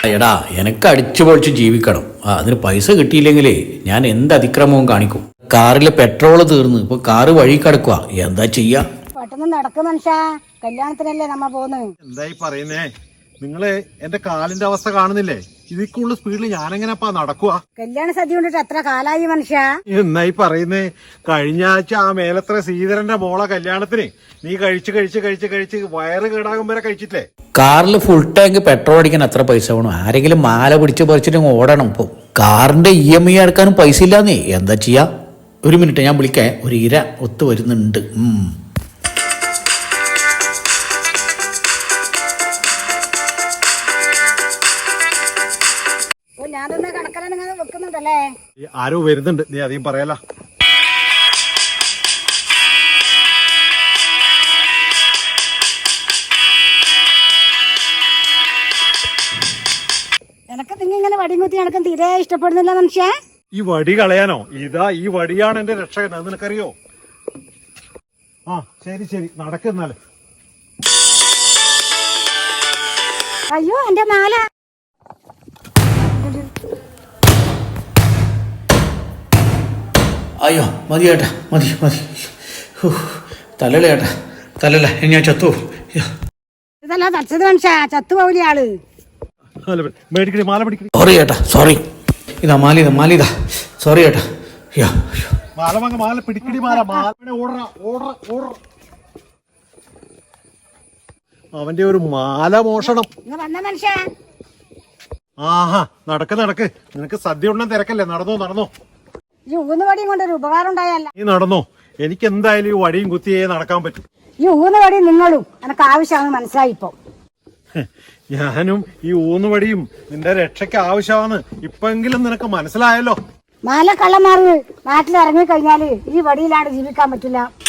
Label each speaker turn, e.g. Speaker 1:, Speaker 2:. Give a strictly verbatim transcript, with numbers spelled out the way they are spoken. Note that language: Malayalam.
Speaker 1: എടാ എനക്ക് അടിച്ചു പൊളിച്ച് ജീവിക്കണം. ആ അതിന് പൈസ കിട്ടിയില്ലെങ്കിലേ ഞാൻ എന്ത് അതിക്രമവും കാണിക്കും. കാറിലെ പെട്രോള് തീർന്ന് ഇപ്പൊ കാറ് വഴി കിടക്കുക, എന്താ ചെയ്യാ?
Speaker 2: പെട്ടെന്ന് നടക്കും മനുഷ്യ, കല്യാണത്തിനല്ലേ നമ്മ പോന്ന്.
Speaker 3: എന്തായി പറയുന്നേ? നിങ്ങള് എന്റെ കാലിന്റെ അവസ്ഥ കാണുന്നില്ലേ? ഇതിക്കുള്ള സ്പീഡിൽ ഞാനെങ്ങനെപ്പാ നടക്കുക?
Speaker 2: കല്യാണ സദ്യ കൊണ്ടിട്ട് എത്ര കാലായി മനുഷ്യ?
Speaker 3: എന്നായി പറയുന്നേ? കഴിഞ്ഞ ആഴ്ച ആ മേലത്ര ശ്രീധരന്റെ മോളെ കല്യാണത്തിന് നീ കഴിച്ച് കഴിച്ച് കഴിച്ച് കഴിച്ച് വയറ് കേടാകും വരെ കഴിച്ചിട്ടില്ലേ?
Speaker 1: കാറിൽ ഫുൾ ടാങ്ക് പെട്രോൾ അടിക്കാൻ എത്ര പൈസ വേണം? ആരെങ്കിലും മാല പിടിച്ച് പറിച്ചിട്ട് ഓടണം. ഇപ്പൊ കാറിന്റെ ഇ എം ഐ അടക്കാനും പൈസ ഇല്ലാന്നേ, എന്താ ചെയ്യാ? ഒരു മിനിറ്റ് ഞാൻ വിളിക്കേ, ഒരു ഇര ഒത്തു വരുന്നുണ്ട്. ഉം
Speaker 2: ഞാനൊന്ന് കണക്കലാണ് വെക്കുന്നുണ്ടല്ലേ?
Speaker 3: ആരോ വരുന്നുണ്ട്, നീ അധികം പറയാല.
Speaker 2: എനക്ക് നിങ്ങൾ ഇങ്ങനെ വടിയും കുത്തി നടക്കാൻ തീരെ ഇഷ്ടപ്പെടുന്നില്ല മനുഷ്യ.
Speaker 3: ഈ വടി കളയാനോ? ഇതാ ഈ വടിയാണ് എന്റെ രക്ഷകൻ, അത് നിനക്കറിയോ? ആ ശരി ശരി, നടക്കുന്നാല്.
Speaker 2: അയ്യോ എന്റെ മാല.
Speaker 1: അയ്യോ മതി ചേട്ടാ, മതി മതി. തലല്ല ചേട്ടാ, തലല്ല, ഞാൻ ചത്തു.
Speaker 2: ഇതല്ല തച്ചത് മനുഷ്യ, ചത്തുപോവില്ല ആള്.
Speaker 3: മേടിക്കടി, മാല പിടിക്കടി.
Speaker 1: സോറി ചേട്ടാ, സോറി. ഇതാ മാല, ഇതാ മാല, ഇതാ. സോറി ചേട്ടാ. അയ്യോ
Speaker 3: മാല വാങ്ങ, മാല പിടിക്കടി, മാല മാല ഓടറ ഓടറ ഓടറ. അവന്റെ ഒരു മാല മോഷണം.
Speaker 2: വന്ന മനുഷ്യ.
Speaker 3: ആഹാ, നടക്ക് നടക്ക്. നിനക്ക് സദ്യ ഉണ്ണം തിരക്കല്ലേ? നടന്നോ നടന്നോ.
Speaker 2: ഈ ഊന്ന് വടിയും കൊണ്ടൊരു ഉപകാരം ഉണ്ടായല്ല.
Speaker 3: നീ നടന്നോ, എനിക്ക് എന്തായാലും ഈ വടിയും കുത്തിയേ നടക്കാൻ പറ്റും.
Speaker 2: ഈ ഊന്ന് വടി നിങ്ങളും എനക്ക് ആവശ്യമാണെന്ന് മനസ്സിലായിപ്പോ.
Speaker 3: ഞാനും ഈ ഊന്നുവടിയും നിന്റെ രക്ഷയ്ക്ക് ആവശ്യമാണ്. ഇപ്പെങ്കിലും നിനക്ക് മനസ്സിലായല്ലോ.
Speaker 2: മാല കള്ളന്മാർക്ക് നാട്ടിൽ ഇറങ്ങി കഴിഞ്ഞാല് ഈ വടിയിലാണ് ജീവിക്കാൻ പറ്റില്ല.